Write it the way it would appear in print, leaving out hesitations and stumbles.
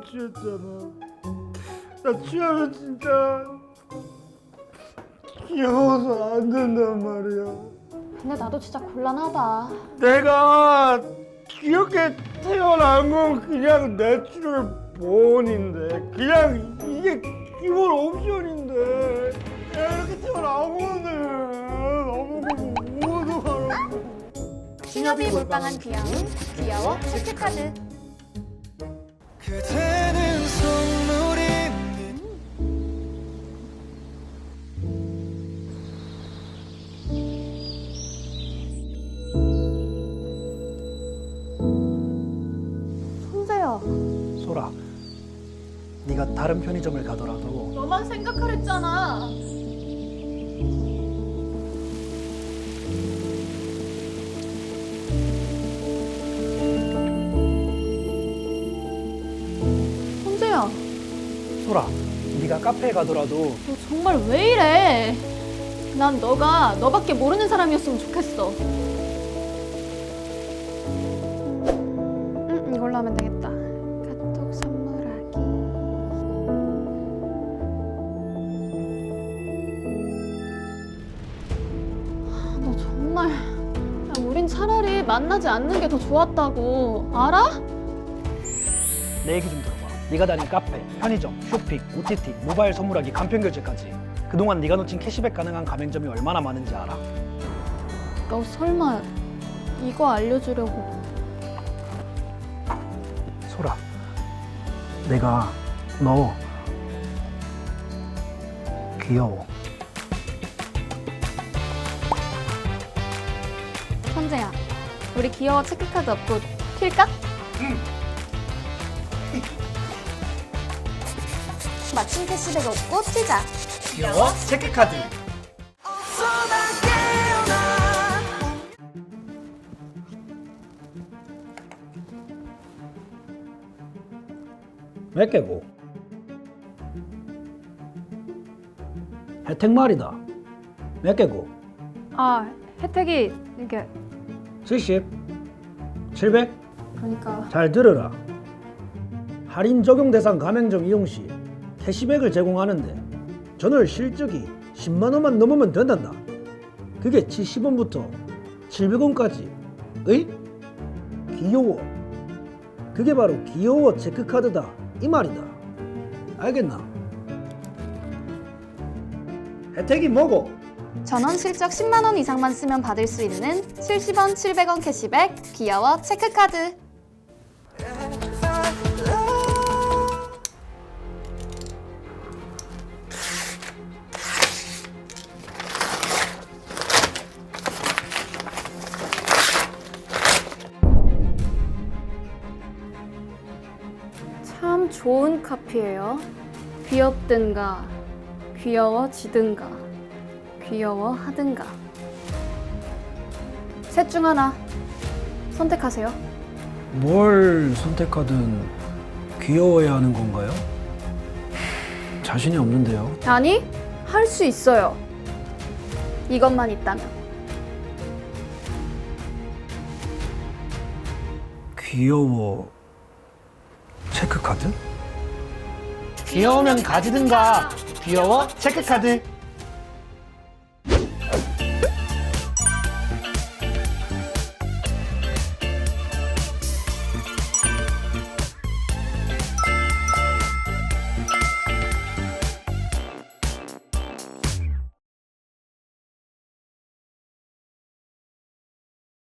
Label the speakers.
Speaker 1: 취했잖아. 나 취하면 진짜 귀여워서 안 된단 말이야.
Speaker 2: 근데 나도 진짜 곤란하다.
Speaker 1: 내가 귀엽게 태어난 건 그냥 내추럴 본인데, 그냥 이게 기본 옵션인데 내가 이렇게 태어나고는 너무 어떡하라고.
Speaker 2: 신협이 몰빵한 귀여움, 귀여워 체크카드.
Speaker 3: 그대는 선물이
Speaker 2: 손재야,
Speaker 4: 소라, 네가 다른 편의점을 가더라도
Speaker 2: 너만 생각하랬잖아. 손재야,
Speaker 4: 소라, 네가 카페에 가더라도
Speaker 2: 너 정말 왜 이래? 난 너가 너밖에 모르는 사람이었으면 좋겠어. 이걸로 하면 되겠다. 카톡 선물하기. 너 정말. 야, 우린 차라리 만나지 않는 게 더 좋았다고. 알아?
Speaker 4: 내 얘기 좀 들어봐. 네가 다닌 카페, 편의점, 쇼핑, OTT, 모바일 선물하기, 간편 결제까지 그동안 네가 놓친 캐시백 가능한 가맹점이 얼마나 많은지 알아?
Speaker 2: 너 설마 이거 알려주려고.
Speaker 4: 소라, 내가 너 귀여워.
Speaker 2: 선재야, 우리 귀여워 체크카드 없고 튈까? 마침 캐시백 없고 튀자.
Speaker 4: 귀여워 체크카드. 몇 개고? 혜택 말이다. 몇 개고?
Speaker 2: 아, 혜택이 이게
Speaker 4: 70? 700?
Speaker 2: 그러니까
Speaker 4: 잘 들으라. 할인 적용 대상 가맹점 이용 시 캐시백을 제공하는데 전월 실적이 10만 원만 넘으면 된단다. 그게 70원부터 700원까지. 의? 귀여워. 그게 바로 귀여워 체크카드다 이 말이다. 알겠나? 혜택이 뭐고?
Speaker 2: 전원 실적 10만 원 이상만 쓰면 받을 수 있는 70원, 700원 캐시백 귀여워 체크카드. 참 좋은 카피예요. 귀엽든가 귀여워지든가 귀여워하든가 셋 중 하나 선택하세요.
Speaker 4: 뭘 선택하든 귀여워야 하는 건가요? 자신이 없는데요.
Speaker 2: 아니, 할 수 있어요. 이것만 있다면.
Speaker 4: 귀여워 체크카드? 귀여우면 가지든가 귀여워 체크카드.